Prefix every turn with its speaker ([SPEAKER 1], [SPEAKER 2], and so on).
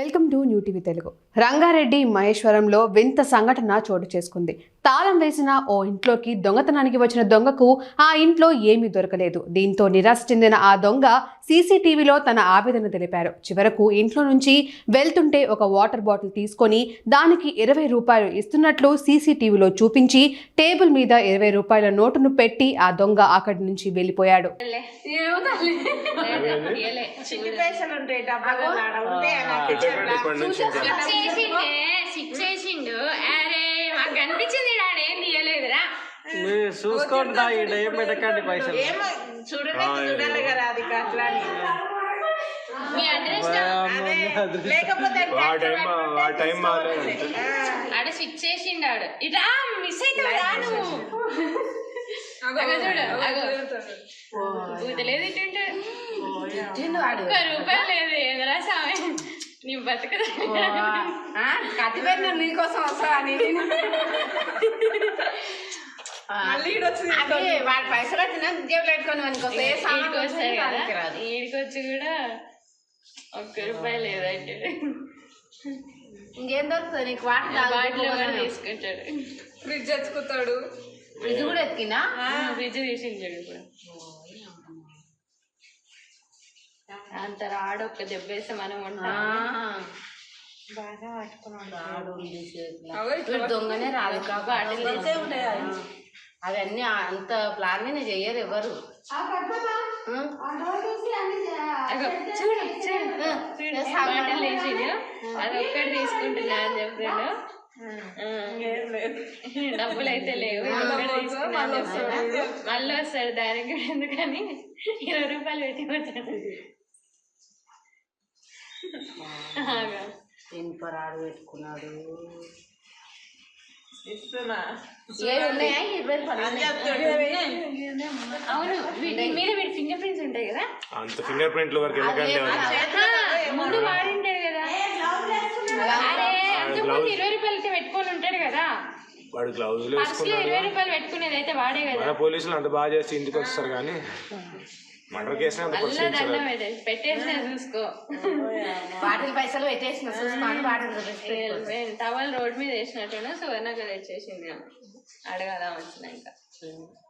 [SPEAKER 1] Welcome to new TV Telugu. Rangareddy మహేశ్వరంలో వింత సంఘటన చోటు చేసుకుంది. తాళం వేసిన ఓ ఇంట్లోకి దొంగతనానికి వచ్చిన దొంగకు ఆ ఇంట్లో ఏమీ దొరకలేదు. దీంతో నిరాశ చెందిన ఆ దొంగ సీసీటీవీలో తన ఆవేదన తెలిపారు. చివరకు ఇంట్లో నుంచి వెళ్తుంటే ఒక వాటర్ బాటిల్ తీసుకొని దానికి 20 రూపాయలు ఇస్తున్నట్లు సీసీటీవీలో చూపించి టేబుల్ మీద 20 రూపాయల నోటును పెట్టి ఆ దొంగ అక్కడి నుంచి వెళ్ళిపోయాడు.
[SPEAKER 2] చూసుకోండి ఏం పెట్టకండి పైసలు
[SPEAKER 3] చూడాలి కదా అది అట్లా
[SPEAKER 4] ఆడ స్విచ్ చేసిండు ఆడు ఇట్లా మిస్ అవుతాడు చూడలేదు ఇటుంటే ఒక్క రూపాయలు లేదు ఎదురా సామె నీ బతుకుదా
[SPEAKER 3] కత్తిపెట్టిన నీకోసం వస్తా అని వాడి పైసలు వచ్చినా జేబులు పెట్టుకొని
[SPEAKER 4] ఈడికొచ్చి కూడా ఒక్క రూపాయి లేదంటే
[SPEAKER 3] ఇంకేం దొరుకుతుంది నీకు
[SPEAKER 4] బాటిల్ కూడా తీసుకుంటాడు.
[SPEAKER 3] ఫ్రిడ్జ్ ఎత్తుకుతాడు. ఫ్రిడ్జ్ కూడా ఎత్తికినా
[SPEAKER 4] ఫ్రిడ్జ్ తీసించాడు ఇప్పుడు. అంత రాడు ఒక్క దెబ్బేస్తే మనం ఉంటాం బాగా పట్టుకున్నాడు.
[SPEAKER 3] దొంగనే రాదు
[SPEAKER 4] బాటిల్
[SPEAKER 3] అవన్నీ అంత ప్లాన్ మీద చెయ్యరు ఎవరు.
[SPEAKER 4] బాటిల్ వేసిండు అది ఒక్కటి తీసుకుంటున్నా అని చెప్పాడు. డబ్బులు అయితే లేవు మళ్ళీ వస్తాడు దానికి ఎందుకని 20 రూపాయలు పెట్టి వచ్చాడు.
[SPEAKER 3] ఇనుపరాడు పెట్టుకున్నాడు.
[SPEAKER 4] అవును మీద వీడి ఫింగర్ ప్రింట్స్ ఉంటాయి కదా.
[SPEAKER 2] అంత ఫింగర్ ప్రింట్ల వరకు
[SPEAKER 4] ముందు వాడింటాడు కదా. అరే అంతకుముందు 20 రూపాయలకి పెట్టుకొని ఉంటాడు కదా.
[SPEAKER 2] వాడు గ్లౌజులు
[SPEAKER 4] పర్సులో 20 రూపాయలు పెట్టుకునేది అయితే వాడే కదా.
[SPEAKER 2] పోలీసులు అంత బాగా చేసి ఇంటికి వస్తారు కానీ మర్డర్ కేసు
[SPEAKER 4] పెట్టేసిన చూసుకో.
[SPEAKER 3] బాటిల్ పైసలు పెట్టేసిన చూసుకోండి. బాటిల్
[SPEAKER 4] టవల్ రోడ్ మీద వేసినట్టున్నా సువర్ణగా తెచ్చేసింది. అడగాల వచ్చినాక